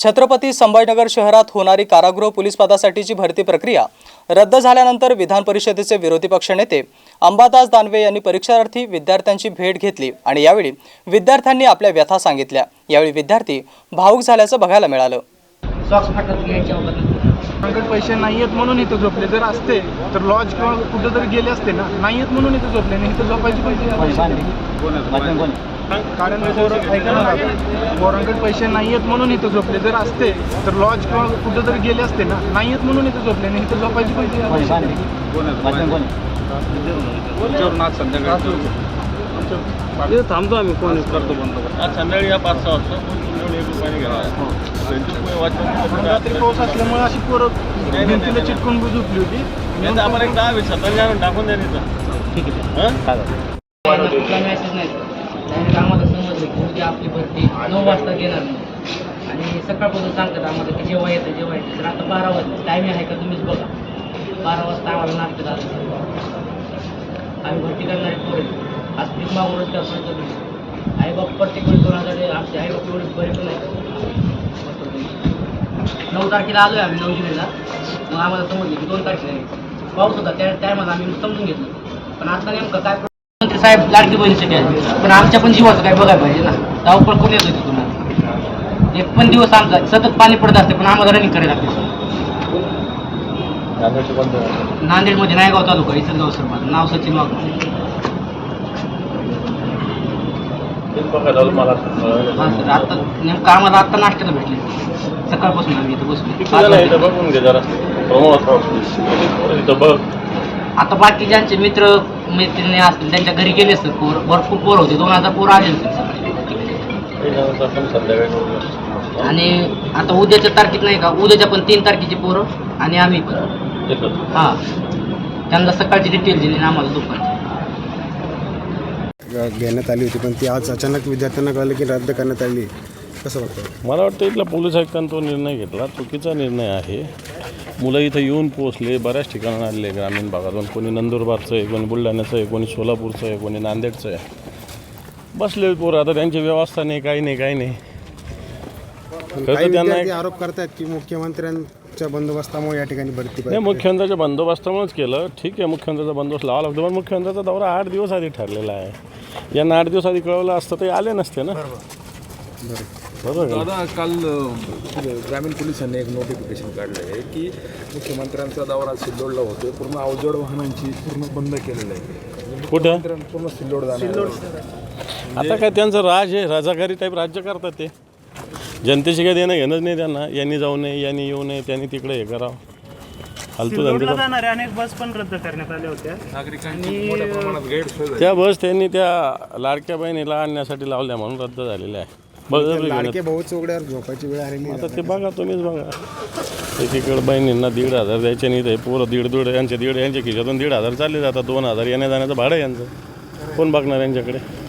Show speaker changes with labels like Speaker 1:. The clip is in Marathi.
Speaker 1: छत्रपती संभाजीनगर शहरात होणारी कारागृह पोलीस पदासाठीची भरती प्रक्रिया रद्द झाल्यानंतर विधान परिषदेचे विरोधी पक्षनेते अंबादास दानवे यांनी परीक्षार्थी विद्यार्थ्यांची भेट घेतली आणि यावेळी विद्यार्थ्यांनी आपल्या व्यथा सांगितल्या। यावेळी विद्यार्थी भावुक झाल्याचं बघायला मिळालं।
Speaker 2: पैसे नाहीयेत म्हणून इथं झोपले, जर असते तर लॉज किंवा कुठं तरी गेले असते ना, नाहीयेत म्हणून इथं झोपले नाही, इथं झोपायची कारण पोरांकडे पैसे नाहीयेत म्हणून इथं झोपले, जर असते तर लॉज किंवा कुठं तरी गेले असते ना, नाहीयेत म्हणून इथं झोपले नाही, इथं झोपायची थांबतो आम्ही कोण करतो बंद संध्याकाळी या 5-6 वाजता रात्री पाऊस असल्यामुळे अशी पोरं भिंतीला चिटकून झोपली होती। आम्हाला एक 10-20 टाकून द्या तिथं, ठीक आहे।
Speaker 3: मेसेज नाही आम्हाला समजलं की उद्या आपली भरती 9 वाजता घेणार नाही आणि सकाळपासून सांगतात आम्हाला की जेव्हा येतं तर आता 12 वाजता टायमिंग आहे का तुम्हीच बघा। 12 वाजता आम्हाला नाश्ता झाला, आम्ही भरती करणारे पोरे आज पीक मागूनच करतो। आईबाप प्रत्येक वेळी 2000 आमचे आईबाप एवढे बरे पण नाही। 9 तारखेला आलो आहे आम्ही 9 जुलैला, मग आम्हाला समजलं की 2 तारखेला पाऊस होता, त्या टायमाला आम्ही समजून घेतलं। पण आता नेमकं काय मंत्री साहेब लाडकी बहिणीसाठी आले, पण आमच्या पण जीवाचं काय बघायला पाहिजे ना, धावपळ कोण येत होती तुम्हाला। एक पण दिवस आमचा सतत पाणी पडत असते, पण आम्हाला रनिंग करायला लागते। नांदेडमध्ये नायगाव तालुका इचलगाव सरपंच, नाव सचिन वाघ। हां सर, आता नेमकं आम्हाला आत्ता नाश्त्याला भेटले, सकाळपासून आम्ही इथं बसलो। आता बाकी ज्यांचे मित्र मैत्रिणी असतील त्यांच्या घरी गेले असतात, भरपूर पोरं होते, 2000 पोरं आले असतील आणि आता उद्याच्या तारखेत नाही का, उद्याच्या पण 3 तारखेची पोरं आणि आम्ही पण हां त्यांना सकाळची डिटेल दिली आणि आम्हाला दुपारची
Speaker 4: घेण्यात आली होती, पण ती आज अचानक विद्यार्थ्यांना कळलं की रद्द करण्यात आली। कसं वाटतं?
Speaker 5: मला वाटतं इथला पोलीस आयुक्तांनी तो निर्णय घेतला चुकीचा निर्णय आहे। मुलं इथं येऊन पोचले, बऱ्याच ठिकाणी आलेले ग्रामीण भागातून, कोणी नंदुरबारचं आहे, कोणी बुलढाण्याचं आहे, कोणी सोलापूरचं आहे, कोणी नांदेडचं आहे, बसले पोरं। आता त्यांची व्यवस्था नाही, काही नाही।
Speaker 4: त्यांना आरोप करतात की मुख्यमंत्र्यांच्या बंदोबस्तामुळे या ठिकाणी भरती
Speaker 5: नाही, मुख्यमंत्र्याच्या बंदोबस्तामुळेच केलं, ठीक आहे। मुख्यमंत्र्याचा बंदोबस्त लावा लागतो, पण मुख्यमंत्र्याचा दौरा 8 दिवस आधी ठरलेला आहे। यांना 8 दिवस आधी कळवलं असतं ते आले नसते ना। बरोबर
Speaker 6: दादा, काल ग्रामीण पोलिसांनी एक नोटिफिकेशन काढलं आहे की मुख्यमंत्र्यांचा दौरा सिल्लोडला होतो, पूर्ण अवजड वाहनांची पूर्ण बंद केलेलं आहे।
Speaker 5: कुठं?
Speaker 6: पूर्ण सिल्लोड जाणार।
Speaker 5: आता काय त्यांचं राज आहे, राजाकारी टाईप राज्य करतात ते। जनतेशी काही देणं घेणंच नाही त्यांना, यांनी जाऊ नये, यांनी येऊ नये, त्यांनी तिकडे हे करावं। फालतू
Speaker 2: जाणारे अनेक बस पण रद्द करण्यात आल्या होत्या,
Speaker 6: नागरिकांची मोठ्या प्रमाणात गैरसोय।
Speaker 5: त्या बस त्यांनी त्या लाडक्या बहिणीला आणण्यासाठी लावल्या म्हणून रद्द झालेल्या आहे।
Speaker 4: लाडके भाऊ चौकड्यावर झोपायची वेळ आलेली।
Speaker 5: आता ते बघा, तुम्हीच बघा, एकीकडे बहिणींना 1,500 द्यायचे नाही, ते पोरं 1.5 यांच्या खिशातून 1,500 चालले जातात, 2,000 येण्या जाण्याचं भाडं यांचं कोण बघणार यांच्याकडे?